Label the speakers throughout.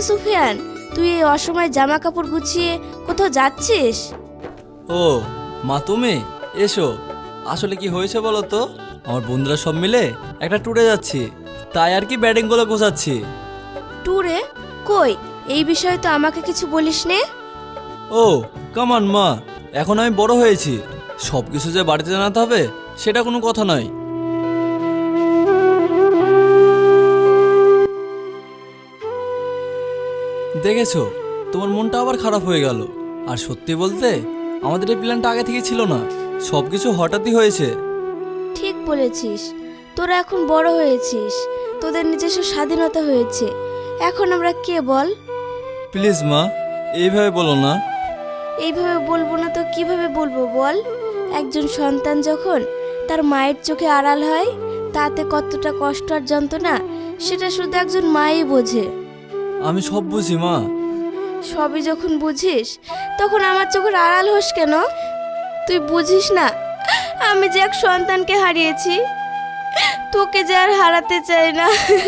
Speaker 1: সুফিয়ান, তুই এই অসময়ে জামা কাপড় গুছিয়ে কোথাও যাচ্ছিস?
Speaker 2: ও মা, তুমি এসো। আসলে কি হয়েছে বলো তো, আমার বন্ধুরা সব মিলে একটা ট্যুরে যাচ্ছি, তাই আর কি ব্যাটিংগুলো গোছাচ্ছি।
Speaker 1: ট্যুরে? কই, এই বিষয়ে তো আমাকে কিছু বলিস নে।
Speaker 2: ও কামান মা, এখন আমি বড় হয়েছি, সব কিছু যে বাড়িতে জানাতে হবে সেটা কোনো কথা নয়। দেখেছো, তোমার মনটা আবার খারাপ হয়ে গেল। আর সত্যি বলতে আমাদের এই প্ল্যানটা আগে থেকে ছিল না, সব কিছু হঠাৎই হয়েছে।
Speaker 1: ঠিক বলেছিস, তোরা এখন বড় হয়েছিস, তোদের নিজস্ব স্বাধীনতা হয়েছে। এখন আমরা কে বল?
Speaker 2: প্লিজ মা, এইভাবে বলো না।
Speaker 1: এইভাবে বলবো না তো কিভাবে বলবো বল? একজন সন্তান যখন তার মায়ের চোখে আড়াল হয়, তাতে কতটা কষ্ট আর যন্ত্রণা সেটা শুধু একজন মাই বোঝে।
Speaker 2: আমি সব বুঝি মা।
Speaker 1: সবই যখন বুঝিস তখন আমার চোখের আড়াল হোস কেন? তুই বুঝিস না আমি যে এক সন্তানকে হারিয়েছি, তোকে যে আর হারাতে চাই না।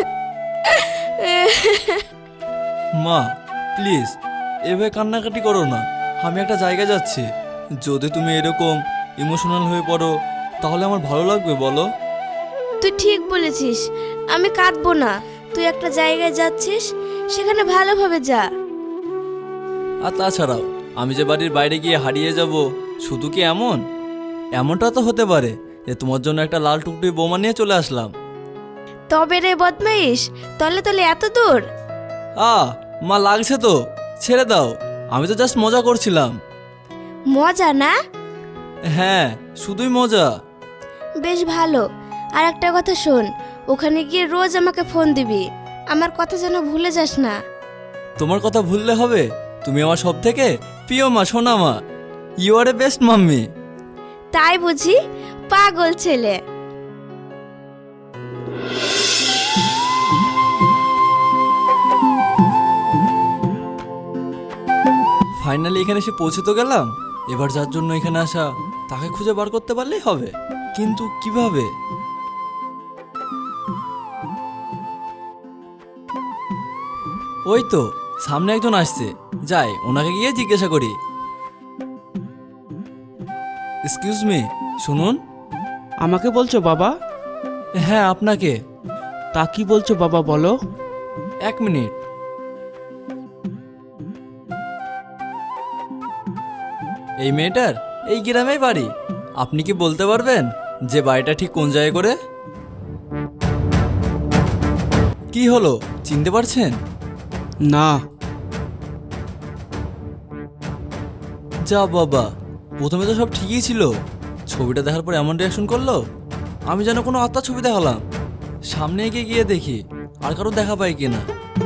Speaker 2: মা প্লিজ এভাবে কান্নাকাটি করো না, আমি একটা জায়গায় যাচ্ছি। যদি তুমি এরকম ইমোশনাল হয়ে পড়ো তাহলে আমার ভালো লাগবে বলো?
Speaker 1: তুই ঠিক বলেছিস, আমি কাঁদবো না। তুই একটা জায়গায় যাচ্ছিস, সেখানে ভালোভাবে যা।
Speaker 2: আর তাছাড়াও আমি যে বাড়ির বাইরে গিয়ে হারিয়ে যাব, শুধু কি এমনটা তো হতে পারে যে তোমার জন্য একটা লাল টুকটুকি বোমা নিয়ে চলে আসলাম।
Speaker 1: তবে রে বদমাইশ, তলে তলে এত দূর?
Speaker 2: মা লাগছে তো, ছেড়ে দাও, আমি তো জাস্ট মজা করছিলাম।
Speaker 1: মজা না?
Speaker 2: হ্যাঁ, শুধুই মজা।
Speaker 1: বেশ ভালো। আর একটা কথা শোন, ওখানে গিয়ে রোজ আমাকে ফোন দিবি, আমার কথা যেন ভুলে যাস না।
Speaker 2: তোমার কথা ভুললে হবে? তুমি আমার সব থেকে প্রিয় মা, সোনা মা। You are a best mummy.
Speaker 1: তাই বুঝি? পাগল ছেলে।
Speaker 2: ফাইনালি এখানে এসে পৌঁছে তো গেলাম। এবার যার জন্য এখানে আসা তাকে খুঁজে বার করতে পারলেই হবে, কিন্তু কিভাবে? ওই তো সামনে একজন আসছে, যাই ওনাকে গিয়ে জিজ্ঞাসা করি। এক্সকিউজ মি, শুনুন।
Speaker 3: আমাকে বলছো বাবা?
Speaker 2: হ্যাঁ আপনাকে।
Speaker 3: তা কি বলছো বাবা, বলো।
Speaker 2: এক মিনিট। এই মেয়েটার এই গ্রামেই বাড়ি, আপনি কি বলতে পারবেন যে বাড়িটা ঠিক কোন জায়গায় করে? কি হলো, চিনতে পারছেন?
Speaker 3: না।
Speaker 2: যা বাবা, প্রথমে তো সব ঠিকই ছিল, ছবিটা দেখার পর এমন রিয়াকশন করলো, আমি যেন কোনো আত্মার ছবি দেখালাম। সামনে এগিয়ে গিয়ে দেখি আর কারো দেখা পাই কিনা।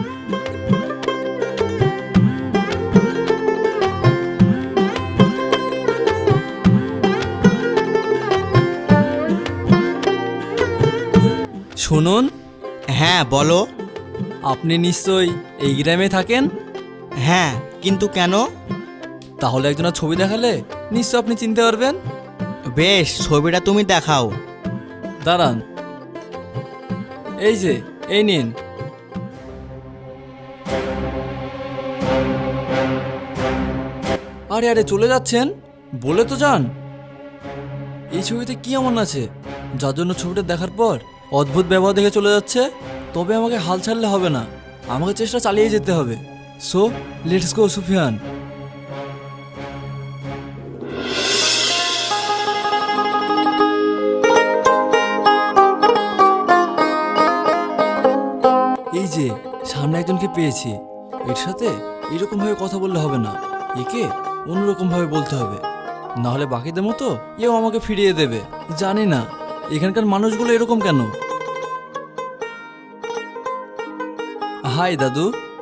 Speaker 2: শুনুন।
Speaker 4: হ্যাঁ বলো।
Speaker 2: আপনি নিশ্চয়ই এই গ্রামে থাকেন?
Speaker 4: হ্যাঁ, কিন্তু কেন?
Speaker 2: তাহলে একজনের ছবি দেখালে নিশ্চয় আপনি চিনতে পারবেন।
Speaker 4: বেশ, ছবিটা তুমি দেখাও।
Speaker 2: দাঁড়ান, এই যে, এই নিন। আরে আরে চলে যাচ্ছেন, বলে তো যান। এই ছবিতে কি এমন আছে যার জন্য ছবিটা দেখার পর অদ্ভুত ব্যবহার দেখে চলে যাচ্ছে? তবে আমাকে হাল ছাড়লে হবে না, আমাকে চেষ্টা চালিয়ে যেতে হবে। So let's go Sufiyan. এই যে সামনে একজনকে পেয়েছি, এর সাথে এরকম ভাবে কথা বললে হবে না, একে অন্যরকম ভাবে বলতে হবে, না হলে বাকিদের মতো এও আমাকে ফিরিয়ে দেবে। জানি না এখানকার মানুষগুলো এরকম কেন। হাই দাদু।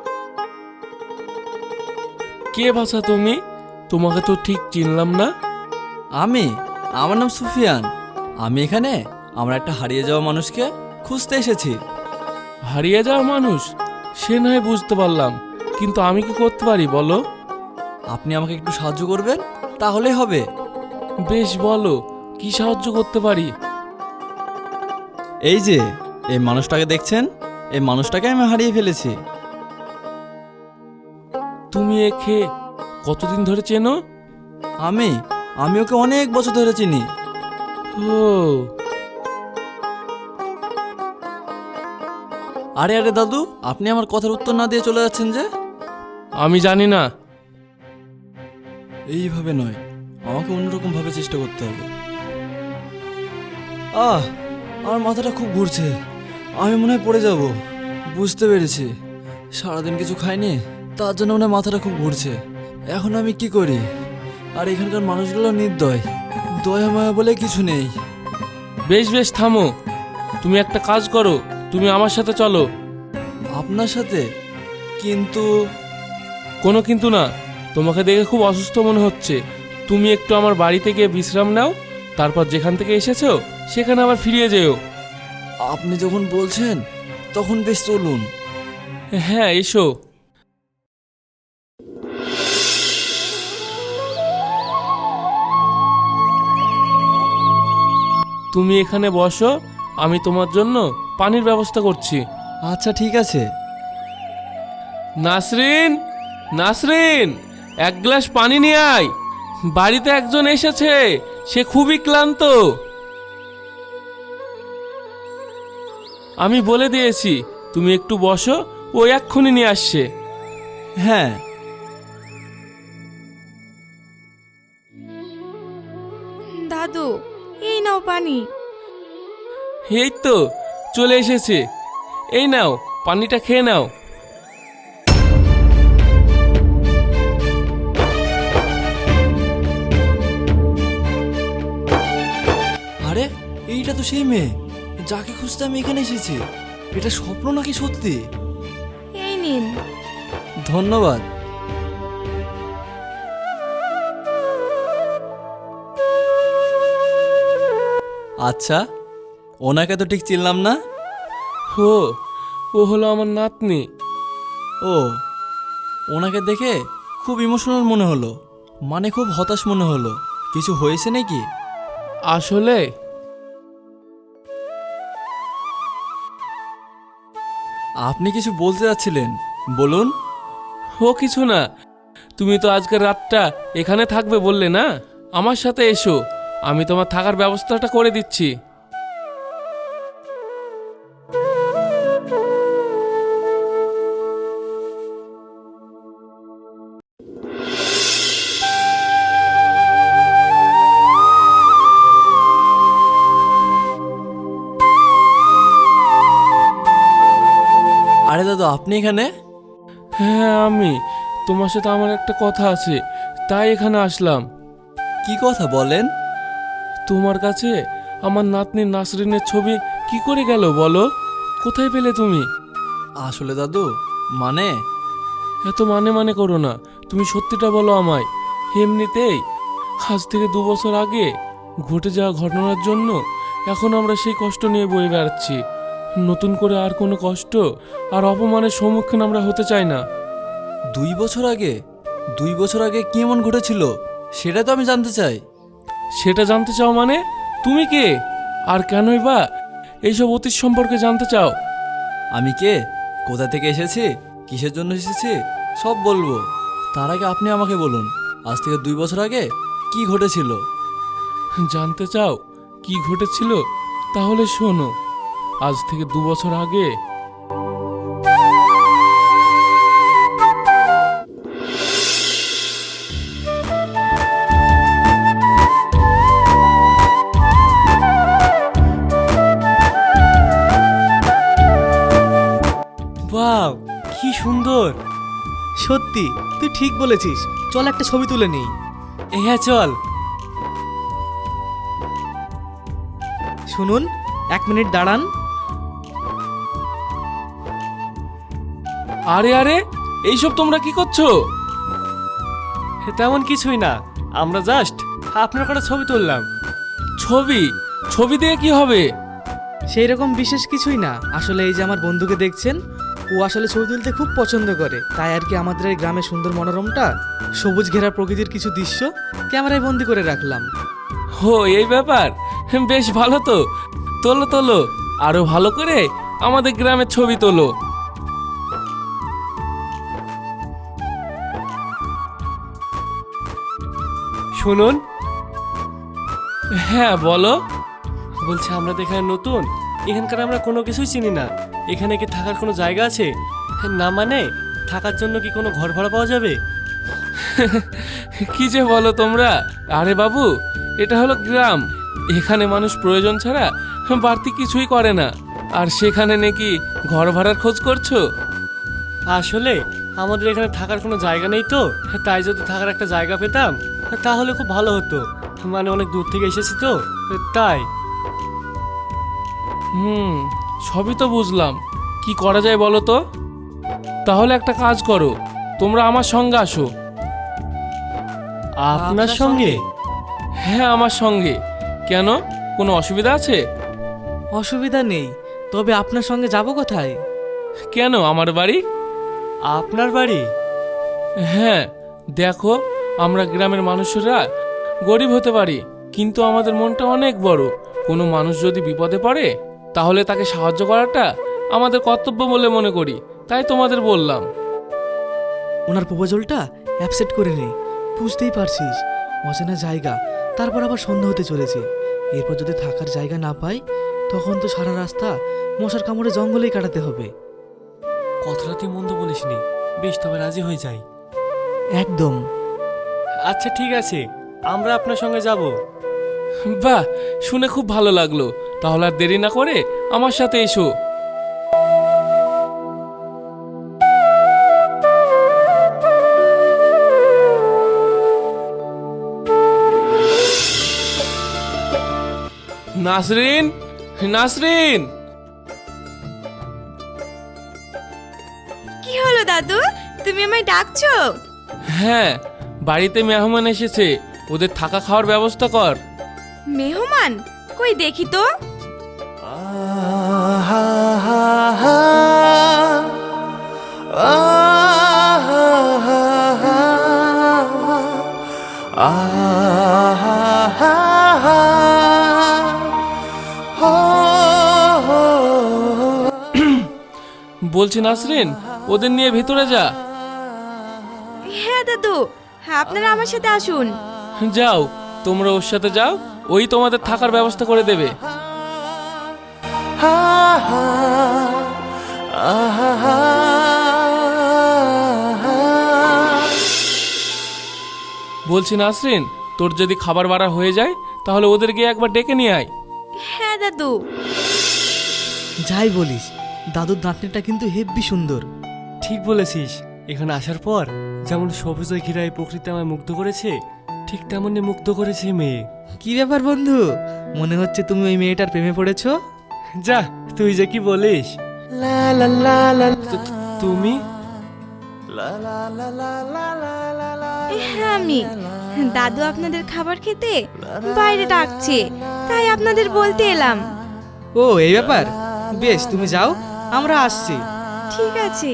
Speaker 3: কে বাছা তুমি? তোমাকে তো ঠিক চিনলাম না।
Speaker 2: আমার নাম সুফিয়ান। আমি এখানে আমার একটা হারিয়ে যাওয়া মানুষকে খুঁজতে এসেছি।
Speaker 3: হারিয়ে যাওয়া মানুষ? সে নয় বুঝতে পারলাম, কিন্তু আমি কি করতে পারি বলো?
Speaker 2: আপনি আমাকে একটু সাহায্য করবেন, তাহলেই হবে।
Speaker 3: বেশ বলো, কি সাহায্য করতে পারি?
Speaker 2: এই যে এই মানুষটাকে দেখছেন, এই মানুষটাকে আমি হারিয়ে ফেলেছি।
Speaker 3: তুমি একে কতদিন ধরে চেনো?
Speaker 2: আমি আমি ওকে অনেক বছর ধরে চিনি।
Speaker 3: ও,
Speaker 2: আরে আরে দাদু, আপনি আমার কথার উত্তর না দিয়ে চলে যাচ্ছেন যে?
Speaker 3: আমি জানি না।
Speaker 2: এইভাবে নয়, আমাকে অন্যরকম ভাবে চেষ্টা করতে হবে। আমার মাথাটা খুব ঘুরছে, আমি মনে হয় পড়ে যাব। বুঝতে পেরেছি, সারাদিন কিছু খাইনি, তার জন্য মনে হয় মাথাটা খুব ঘুরছে। এখন আমি কি করি? আর এখানকার মানুষগুলো নির্দয়, দয়া মায়া বলে কিছু নেই।
Speaker 3: বেশ বেশ থামো, তুমি একটা কাজ করো, তুমি আমার সাথে চলো।
Speaker 2: আপনার সাথে? কিন্তু
Speaker 3: কোনো কিন্তু না, তোমাকে দেখে খুব অসুস্থ মনে হচ্ছে। তুমি একটু আমার বাড়িতে গিয়ে বিশ্রাম নাও, তারপর যেখান থেকে এসেছো সেখানে আবার ফিরিয়ে যেও।
Speaker 2: আপনি যখন বলছেন তখন বেশ চলুন।
Speaker 3: হ্যাঁ, এসো। তুমি এখানে বসো, আমি তোমার জন্য পানির ব্যবস্থা করছি।
Speaker 2: আচ্ছা ঠিক আছে।
Speaker 3: নাসরিন, নাসরিন, এক গ্লাস পানি নিয়ে আয়। বাড়িতে একজন এসেছে, সে খুবই ক্লান্ত। আমি বলে দিয়েছি তুমি একটু বসো, ও এক্ষুনি নিয়ে আসছে।
Speaker 2: হ্যাঁ।
Speaker 1: দাদু, এই নাও পানি।
Speaker 3: এই তো চলে এসেছে, এই নাও পানিটা খেয়ে নাও।
Speaker 2: আরে এইটা তো সেই মেয়ে যাকে খুঁজতে আমি এখানে এসেছি। এটা স্বপ্ন নাকি সত্যি?
Speaker 1: এই নিন।
Speaker 2: ধন্যবাদ। আচ্ছা, ওনাকে তো ঠিক চিনলাম না।
Speaker 3: ও হলো আমার নাতনি।
Speaker 2: ও, ওনাকে দেখে খুব ইমোশনাল মনে হলো, মানে খুব হতাশ মনে হলো। কিছু হয়েছে নাকি?
Speaker 3: আসলে
Speaker 2: আপনি কিছু বলতে যাচ্ছিলেন, বলুন।
Speaker 3: ও কিছু না, তুমি তো আজকের রাতটা এখানে থাকবে বললে না, আমার সাথে এসো, আমি তোমার থাকার ব্যবস্থাটা করে দিচ্ছি।
Speaker 2: আরে দাদু, আপনি এখানে?
Speaker 3: হ্যাঁ আমি, তোমার সাথে আমার একটা কথা আছে, তাই এখানে আসলাম।
Speaker 2: কি কথা বলেন?
Speaker 3: তোমার কাছে আমার নাতনি নাসরিনের ছবি কি করে গেল বলো? কোথায় পেলে তুমি?
Speaker 2: আসলে দাদু, মানে
Speaker 3: এত মানে মানে করো না, তুমি সত্যিটা বলো আমায়। এমনিতেই আজ থেকে 2 বছর আগে ঘটে যাওয়া ঘটনার জন্য এখন আমরা সেই কষ্ট নিয়ে বয়ে বেড়াচ্ছি। নতুন করে আর কোনো কষ্ট আর অপমানের সম্মুখীন আমরা হতে চাই না।
Speaker 2: 2 বছর আগে? 2 বছর আগে কি এমন ঘটেছিল সেটা তো আমি জানতে চাই।
Speaker 3: সেটা জানতে চাও মানে? তুমি কে আর কেনই বা এইসব অতীত সম্পর্কে জানতে চাও?
Speaker 2: আমি কে, কোথা থেকে এসেছি, কিসের জন্য এসেছি সব বলবো। তার আগে আপনি আমাকে বলুন, আজ থেকে 2 বছর আগে কি ঘটেছিল?
Speaker 3: জানতে চাও কি ঘটেছিল? তাহলে শোনো, আজ থেকে 2 বছর আগে
Speaker 5: ওয়াও, কি সুন্দর! সত্যি তুই ঠিক বলেছিস, চল একটা ছবি তুলে নিই। হ্যাঁ চল। শুনুন, 1 মিনিট দাঁড়ান।
Speaker 3: আরে আরে, এইসব তোমরা কি করছো?
Speaker 5: তেমন কিছুই না, আমরা জাস্ট আপনার কটা ছবি তুললাম।
Speaker 3: ছবি? ছবি দিয়ে কি হবে?
Speaker 5: সেই রকম বিশেষ কিছুই না, আসলে এই যে আমার বন্ধুকে দেখছেন, ও আসলে ছবি তুলতে খুব পছন্দ করে, তাই আর কি আমাদের এই গ্রামের সুন্দর মনোরমটা, সবুজ ঘেরা প্রকৃতির কিছু দৃশ্য ক্যামেরায় বন্দি করে রাখলাম।
Speaker 3: ও এই ব্যাপার, বেশ ভালো তো। তোলো তোলো, আরো ভালো করে আমাদের গ্রামের ছবি তোলো।
Speaker 6: শুনুন।
Speaker 3: হ্যাঁ বলো।
Speaker 6: বলছি আমরা তো এখানে নতুন, এখানকার আমরা কোনো কিছুই চিনি না। এখানে কি থাকার কোনো জায়গা আছে? না মানে থাকার জন্য কি কোনো ঘর ভাড়া পাওয়া যাবে?
Speaker 3: কি যে বলো তোমরা। আরে বাবু, এটা হলো গ্রাম। এখানে মানুষ প্রয়োজন ছাড়া বাড়তি কিছুই করে না। আর সেখানে নাকি ঘর ভাড়ার খোঁজ করছো?
Speaker 6: আসলে আমাদের এখানে থাকার কোনো জায়গা নেই তো, তাই যদি থাকার একটা জায়গা পেতাম তাহলে খুব ভালো হতো। মানে অনেক দূর থেকে এসেছি তো, তাই।
Speaker 3: সবই তো বুঝলাম, কি করা যায় বলো তো। তাহলে একটা কাজ করো, তোমরা আমার সঙ্গে আসো।
Speaker 6: আপনার সঙ্গে?
Speaker 3: হ্যাঁ আমার সঙ্গে। কেন, কোনো অসুবিধা আছে?
Speaker 5: অসুবিধা নেই, তবে আপনার সঙ্গে যাব কোথায়?
Speaker 3: কেন, আমার বাড়ি।
Speaker 6: আপনার বাড়ি?
Speaker 3: হ্যাঁ দেখো, আমরা গ্রামের মানুষেরা গরিব হতে পারি, কিন্তু আমাদের মনটা অনেক বড়। কোনো মানুষ যদি বিপদে পড়ে তাহলে তাকে সাহায্য করাটা আমাদের কর্তব্য বলে মনে করি, তাই তোমাদের বললাম।
Speaker 5: ওনার প্রপোজালটা অ্যাপসেট করে নেই। বুঝতেই পারছিস, অচেনা জায়গা, তারপর আবার সন্ধ্যা হতে চলেছে। এরপর যদি থাকার জায়গা না পাই, তখন তো সারা রাস্তা মশার কামড়ে জঙ্গলেই কাটাতে হবে।
Speaker 6: কথাটা তুই মন্দ বলিসনি। বেশ, তবে রাজি হয়ে যাই।
Speaker 5: একদম।
Speaker 6: আচ্ছা ঠিক আছে, আমরা আপনার সঙ্গে যাব।
Speaker 3: বাহ, শুনে খুব ভালো লাগলো। তাহলে আর দেরি না করে আমার সাথে এসো। নাসরিন, নাসরিন।
Speaker 1: কি হলো দাদু, তুমি আমায় ডাকছো?
Speaker 3: হ্যাঁ, বাড়িতে মেহমান এসেছে, ওদের থাকা খাওয়ার ব্যবস্থা কর।
Speaker 1: মেহমান? কই দেখি তো।
Speaker 3: বলছি নাসরিন, ওদের নিয়ে ভিতরে যা।
Speaker 1: হ্যাঁ দাদু, আপনারা আমার সাথে আসুন।
Speaker 3: যাও, তোমরা ওর সাথে যাও, ওই তোমাদের থাকার ব্যবস্থা করে দেবে। বলছি নাসরিন, তোর যদি খাবার বাড়া হয়ে যায় তাহলে ওদের গিয়ে একবার ডেকে নিয়ে আয়।
Speaker 1: হ্যাঁ দাদু।
Speaker 5: যাই বলিস, দাদুর নাতনিটা কিন্তু হেব্বি সুন্দর।
Speaker 6: ঠিক বলেছিস। এখানে আসার পর যেমন সবুজ ঘিরা এই প্রকৃতি আমায় মুগ্ধ করেছে, ঠিক তেমনই মুগ্ধ করেছে মেয়ে।
Speaker 5: কি ব্যাপার বন্ধু, মনে হচ্ছে তুমি ওই মেয়েটার প্রেমে পড়েছো?
Speaker 6: যা, তুই যে কি বলিস। তুমি?
Speaker 1: হ্যাঁ আমি। দাদু আপনাদের খাবার খেতে বাইরে ডাকছে, তাই আপনাদের বলতে এলাম।
Speaker 5: ও এই ব্যাপার, বেশ তুমি যাও, আমরা আসছি।
Speaker 1: ঠিক আছে।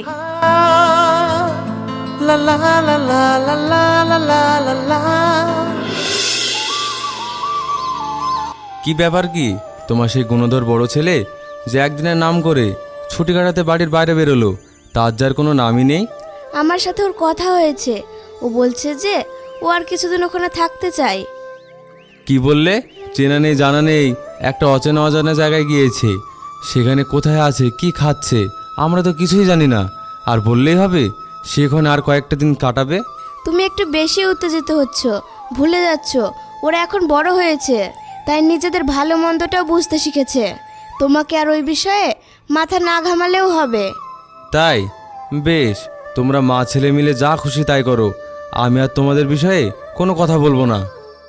Speaker 7: কি ব্যাপার কি তোমার সেই গুণধর বড় ছেলে যে একদিনের নাম করে ছুটি কাটাতে বাড়ির বাইরে বেরোলো, তার যার কোনো নামই নেই?
Speaker 1: আমার সাথে ওর কথা হয়েছে, ও বলছে যে ও আর কিছুদিন ওখানে থাকতে চায়।
Speaker 7: কি বললে? চেনা নেই জানা নেই একটা অচেনা অজানা জায়গায় গিয়েছে, সেখানে কোথায় আছে কি খাচ্ছে আমরা তো কিছুই জানি না, আর বললেই হবে সেখানে আর কয়েকটা দিন কাটাবে?
Speaker 1: তুমি একটু বেশি উত্তেজিত হচ্ছ, ভুলে যাচ্ছ ওরা এখন বড় হয়েছে, তাই নিজেদের ভালো মন্দটাও বুঝতে শিখেছে। তোমাকে আর ওই বিষয়ে মাথা না ঘামালেও হবে।
Speaker 7: তাই বেশ, তোমরা মা ছেলে মিলে যা খুশি তাই করো, আমি আর তোমাদের বিষয়ে কোনো কথা বলবো না।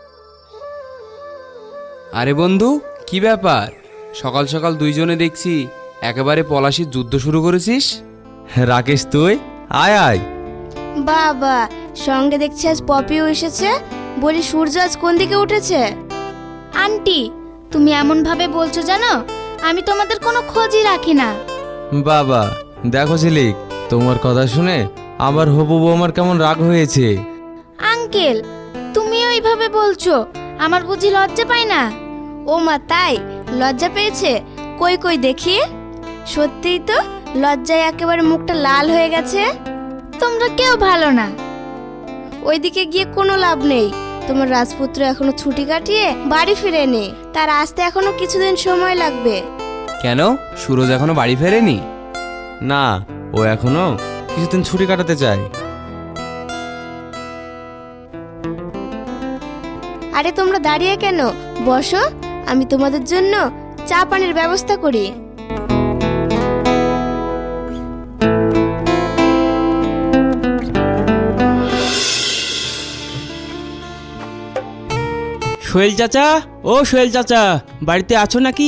Speaker 8: আরে বন্ধু, কি ব্যাপার? সকাল সকাল দুইজনে দেখছি একেবারে পলাশির যুদ্ধ শুরু করেছিস।
Speaker 7: রাকেশ তুই আয় আয়।
Speaker 1: বাবা, সঙ্গে দেখছি আজ পপিও এসেছে। বলি সূর্য আজ কোন দিকে উঠেছে? আন্টি, তুমি এমন ভাবে বলছো জানো, আমি তোমাদের কোনো খোঁজই রাখি না।
Speaker 7: বাবা দেখো ঝিলিক, তোমার কথা শুনে আমার হবু বৌমার কেমন রাগ হয়েছে।
Speaker 1: আঙ্কেল, তুমিও এইভাবে বলছো, আমার বুঝি লজ্জা পাই না? ও মা, তাই লজ্জা পেয়েছে? কই কই দেখি। সত্যিই তো, লজ্জায় একেবারে মুখটা লাল হয়ে গেছে। তোমরা কেউ ভালো না, ওইদিকে গিয়ে কোনো লাভ নেই। তোমার রাজপুত্র এখনো ছুটি কাটিয়ে বাড়ি ফিরেনি, তার আসতে এখনো কিছুদিন সময় লাগবে।
Speaker 8: কেন সুরজ এখনো বাড়ি ফেরেনি?
Speaker 7: না, ও এখনো কিছুদিন ছুটি কাটাতে চায়।
Speaker 1: আরে তোমরা দাঁড়িয়ে কেন, বসো, আমি তোমাদের জন্য চা পানির ব্যবস্থা করি।
Speaker 9: সোহেল চাচা, ও সোহেল চাচা, বাড়িতে আছো নাকি?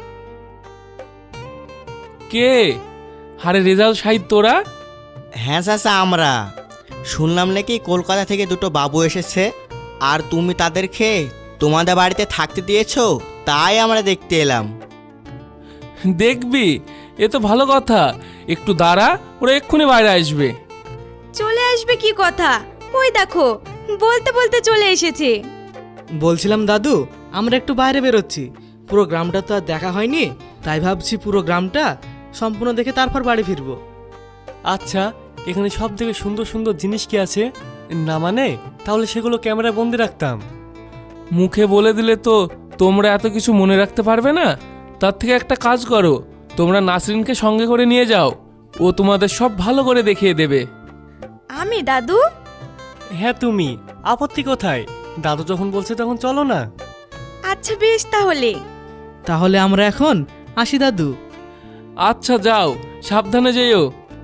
Speaker 3: কে? আরে রেজাল শাহিদ, তোরা?
Speaker 4: হ্যাঁ চাচা, আমরা শুনলাম নাকি কলকাতা থেকে দুটো বাবু এসেছে, আর তুমি তাদেরকে তোমাদের বাড়িতে থাকতে দিয়েছো, তাই আমরা দেখতে এলাম।
Speaker 3: দেখবি, এ তো ভালো কথা। একটু দাঁড়া, ওরা এক্ষুনি বাইরে আসবে।
Speaker 1: চলে আসবে কি কথা, ওই দেখো বলতে বলতে চলে এসেছে।
Speaker 5: বলছিলাম দাদু, আমরা একটু বাইরে বেরোচ্ছি, পুরো গ্রামটা তো আর দেখা হয়নি, তাই ভাবছি পুরো গ্রামটা সম্পূর্ণ দেখে তারপর বাড়ি ফিরবো।
Speaker 6: আচ্ছা, এখানে সব থেকে সুন্দর সুন্দর জিনিস কি আছে? না মানে তাহলে সেগুলো ক্যামেরায় বন্দি রাখতাম।
Speaker 3: মুখে বলে দিলে তো তোমরা এত কিছু মনে রাখতে পারবে না। তার থেকে একটা কাজ করো, তোমরা নাসরিনকে সঙ্গে করে নিয়ে যাও, ও তোমাদের সব ভালো করে দেখিয়ে দেবে।
Speaker 1: আমি দাদু?
Speaker 6: হ্যাঁ তুমি, আপত্তি কোথায়? দাদু যখন বলছে তখন চলো না।
Speaker 1: আচ্ছা বেশ,
Speaker 5: তাহলে আমরা এখন আসি দাদু।
Speaker 3: আচ্ছা যাও, সাবধানে যেও।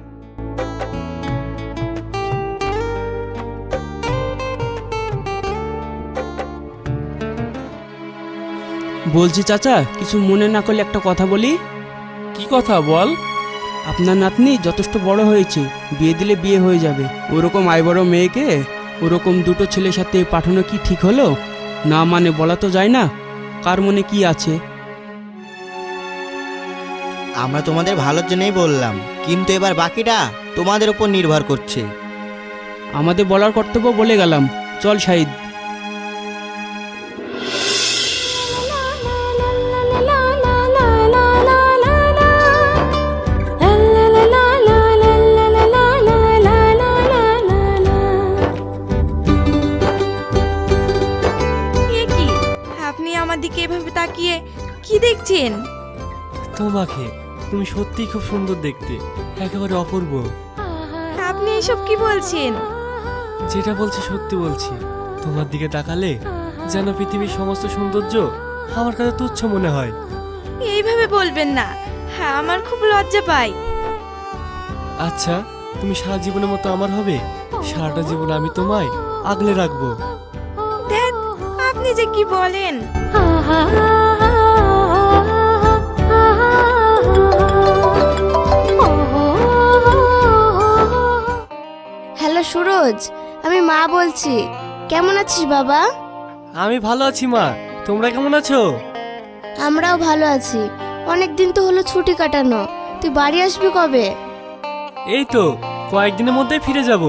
Speaker 9: বলছি চাচা, কিছু মনে না করলে একটা কথা বলি।
Speaker 3: কি কথা বল?
Speaker 9: আপনার নাতনি যথেষ্ট বড় হয়েছে, বিয়ে দিলে বিয়ে হয়ে যাবে। ওরকম আয় বড় মেয়েকে ওরকম দুটো ছেলের সাথে পাঠানো কি ঠিক হলো? না মানে বলা তো যায় না, কার মনে কি আছে।
Speaker 4: আমরা তোমাদের ভালোর জন্যই বললাম, কিন্তু এবার বাকিটা তোমাদের উপর নির্ভর করছে।
Speaker 9: আমাদের বলার কর্তব্য বলে গেলাম, চল শাহিদ।
Speaker 1: আপনি আমার দিকে এভাবে তাকিয়ে কি দেখছেন?
Speaker 6: তোমাকে, তুমি সত্যিই খুব সুন্দর দেখতে, একেবারে অপূর্ব।
Speaker 1: আপনি এসব কি বলছেন?
Speaker 6: যেটা বলছি সত্যি বলছি। তোমার দিকে তাকালে যেন পৃথিবীর সমস্ত সৌন্দর্য আমার কাছে তুচ্ছ মনে হয়।
Speaker 1: এইভাবে বলবেন না, হ্যাঁ আমার খুব লজ্জা পাই।
Speaker 6: আচ্ছা, তুমি সারা জীবনের মতো আমার হবে? সারাটা জীবন আমি তোমায় আগলে রাখবো।
Speaker 1: দেখ, আপনি যে কি বলেন। হ্যালো সুরজ, আমি মা বলছি। কেমন আছিস বাবা?
Speaker 6: আমি ভালো আছি মা, তোমরা কেমন আছো?
Speaker 1: আমরাও ভালো আছি। অনেক দিন তো হলো ছুটি কাটানো, তুই বাড়ি আসবি কবে?
Speaker 6: এই তো কয়েকদিনের মধ্যেই ফিরে যাব।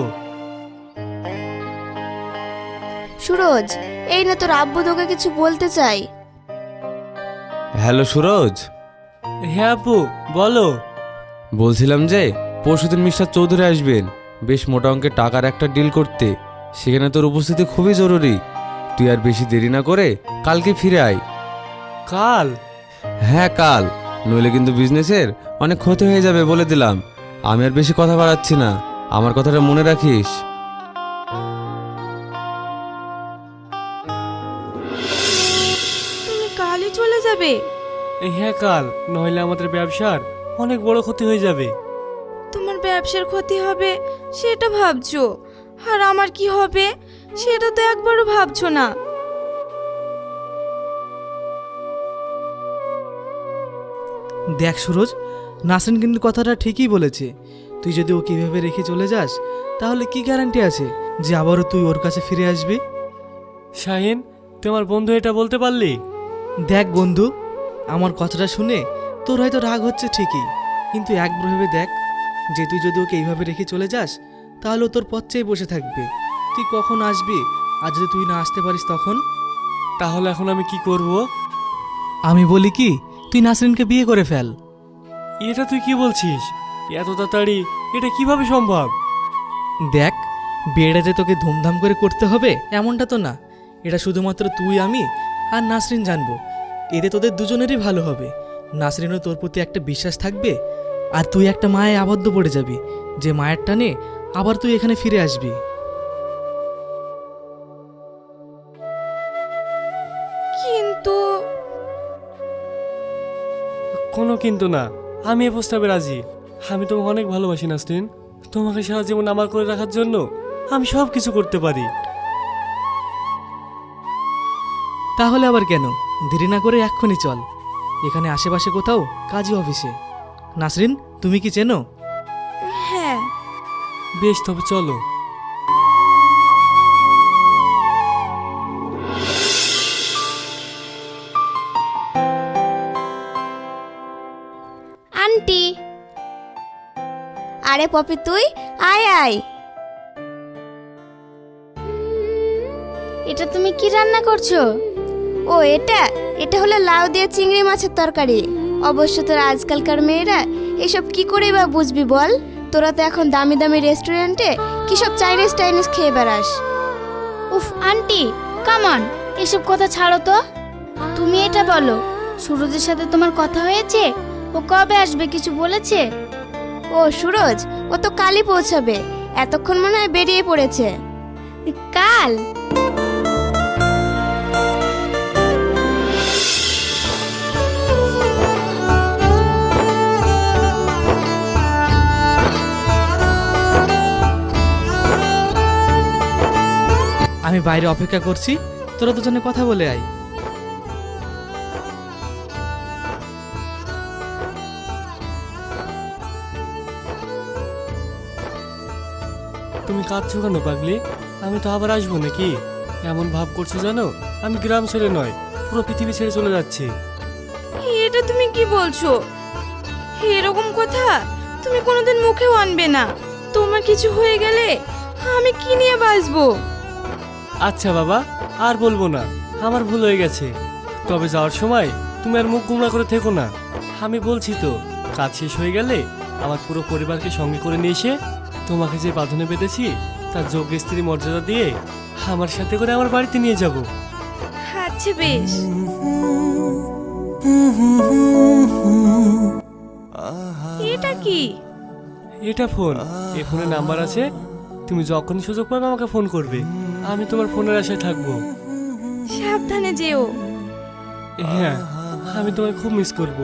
Speaker 1: সুরজ, এই না তোর আব্বু তোকে কিছু বলতে চাই।
Speaker 7: হ্যালো সুরজ,
Speaker 6: হ্যাঁ আপু, বলো।
Speaker 7: বলছিলাম যে পরশুদিন মিস্টার চৌধুরী আসবেন বেশ মোটা অঙ্কের টাকার একটা ডিল করতে, সেখানে তোর উপস্থিতি খুবই জরুরি। তুই আর বেশি দেরি না করে কালকে ফিরে আয়।
Speaker 6: কাল?
Speaker 7: হ্যাঁ কাল, নইলে কিন্তু বিজনেসের অনেক ক্ষতি হয়ে যাবে বলে দিলাম। আমি আর বেশি কথা বাড়াচ্ছি না, আমার কথাটা মনে রাখিস।
Speaker 1: তুমি কালই চলে যাবে?
Speaker 6: হ্যাঁ কাল, নইলে আমাদের ব্যবসার অনেক বড় ক্ষতি হয়ে যাবে।
Speaker 1: তোমার ব্যবসার ক্ষতি হবে সেটা ভাবছো, আর আমার কি হবে সেটা তো একবারও ভাবছো না।
Speaker 5: দেখ সুরজ, নাসরিন কিন্তু কথাটা ঠিকই বলেছে। তুই যদি ওকে এভাবে রেখে চলে যাস, তাহলে কি গ্যারান্টি আছে যে আবারও তুই ওর কাছে ফিরে আসবি?
Speaker 6: শাহিন, তোমার বন্ধু এটা বলতে পারলি?
Speaker 5: দেখ বন্ধু, আমার কথাটা শুনে তোর হয়তো রাগ হচ্ছে ঠিকই, কিন্তু একবার ভেবে দেখ যে তুই যদি ওকে এইভাবে রেখে চলে যাস, তাহলে ও তোর পথ চেয়ে বসে থাকবে। তুই কখন আসবি, আর যদি তুই না আসতে পারিস তখন?
Speaker 6: তাহলে এখন আমি কি করব?
Speaker 5: আমি বলি কি, তুই নাসরিনকে বিয়ে করে ফেল।
Speaker 6: এটা তুই কি বলছিস? এত তাড়াতাড়ি এটা কিভাবে সম্ভব?
Speaker 5: দেখ, বিয়েটা যে তোকে ধুমধাম করে করতে হবে এমনটা তো না, এটা শুধুমাত্র তুই আমি আর নাসরিন জানবো। এতে তোদের দুজনেরই ভালো হবে। নাসরিনও তোর প্রতি একটা বিশ্বাস থাকবে, আর তুই একটা মায়ে আবদ্ধ পড়ে যাবি, যে মায়ের টানে আবার তুই এখানে ফিরে আসবি।
Speaker 1: কিন্তু
Speaker 6: কোনো কিন্তু না, আমি এ প্রস্তাবে রাজি। আমি তোমাকে অনেক ভালোবাসি নাসরিন। তোমাকে সারা জীবন আমার করে রাখার জন্য আমি সব কিছু করতে পারি।
Speaker 5: তাহলে আবার কেন, দেরি না করে এক্ষুনি চল। এখানে আশেপাশে কোথাও কাজী অফিসে। নাসরিন, তুমি কি চেনো?
Speaker 1: হ্যাঁ,
Speaker 6: বেশ, তবে চলো।
Speaker 1: আন্টি। আরে পপি, তুই আয় আয়। এটা তুমি কি রান্না করছো? ও এটা এটা হলো লাউ দিয়ে চিংড়ি মাছের তরকারি। অবশ্য তোরা আজকালকার মেয়েরা এসব কি করে বা বুঝবি বল? তোরা তো এখন দামি দামি রেস্টুরেন্টে কি সব চাইনিজ খেয়ে বেড়াস। উফ আন্টি, কামান, এসব কথা ছাড়ো তো। তুমি এটা বলো, সুরজের সাথে তোমার কথা হয়েছে? ও কবে আসবে, কিছু বলেছে? ও সুরজ, ও তো কালই পৌঁছাবে। এতক্ষণ মনে হয় বেরিয়ে পড়েছে। কাল?
Speaker 5: আমি বাইরে অপেক্ষা করছি, তোরা দুজনে কথা বলে আয়।
Speaker 6: তুমি কাঁদছো কেন পাগলি? আমি তো আবার আসবো নাকি? এমন ভাব করছো জানো আমি গ্রাম ছেড়ে নয়, পুরো পৃথিবী ছেড়ে চলে যাচ্ছি।
Speaker 1: এটা তুমি কি বলছো? এরকম কথা তুমি কোনোদিন মুখেও আনবে না। তোমার কিছু হয়ে গেলে আমি কি নিয়ে বাঁচবো?
Speaker 6: আচ্ছা বাবা, আর বলবো না, আমার ভুল হয়ে গেছে। তবে যাওয়ার সময় তুমি আর মুখ গুমরা করে থেকো না। আমি বলছি তো, কাজ শেষ হয়ে গেলে আমার পুরো পরিবারকে সঙ্গে করে নিয়ে এসে তোমাকে যে বাঁধনে বেঁধেছি তার যোগ্য স্ত্রী মর্যাদা দিয়ে আমার সাথে করে আমার বাড়িতে নিয়ে যাব।
Speaker 1: আচ্ছা বেশ। এটা কি?
Speaker 6: এটা ফোন। এ ফোনে নাম্বার আছে, তুমি যখনই সুযোগ পাবে আমাকে ফোন করবে। আমি তোমার ফোনের আশায় থাকবো।
Speaker 1: সাবধানে যেও।
Speaker 6: হ্যাঁ, আমি তোমায় খুব মিস করব।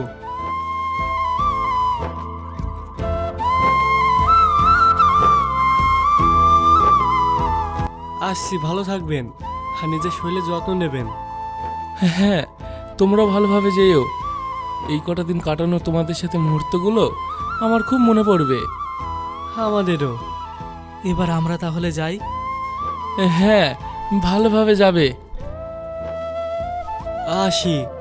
Speaker 6: আসছি, ভালো থাকবেন আর নিজের শরীরে যত্ন নেবেন।
Speaker 3: হ্যাঁ, তোমরাও ভালোভাবে যেও। এই কটা দিন কাটানো তোমাদের সাথে মুহূর্তগুলো আমার খুব মনে পড়বে।
Speaker 6: আমাদেরও।
Speaker 5: এবার আমরা তাহলে যাই।
Speaker 3: হ্যাঁ, ভালোভাবে যাবে।
Speaker 6: আসি।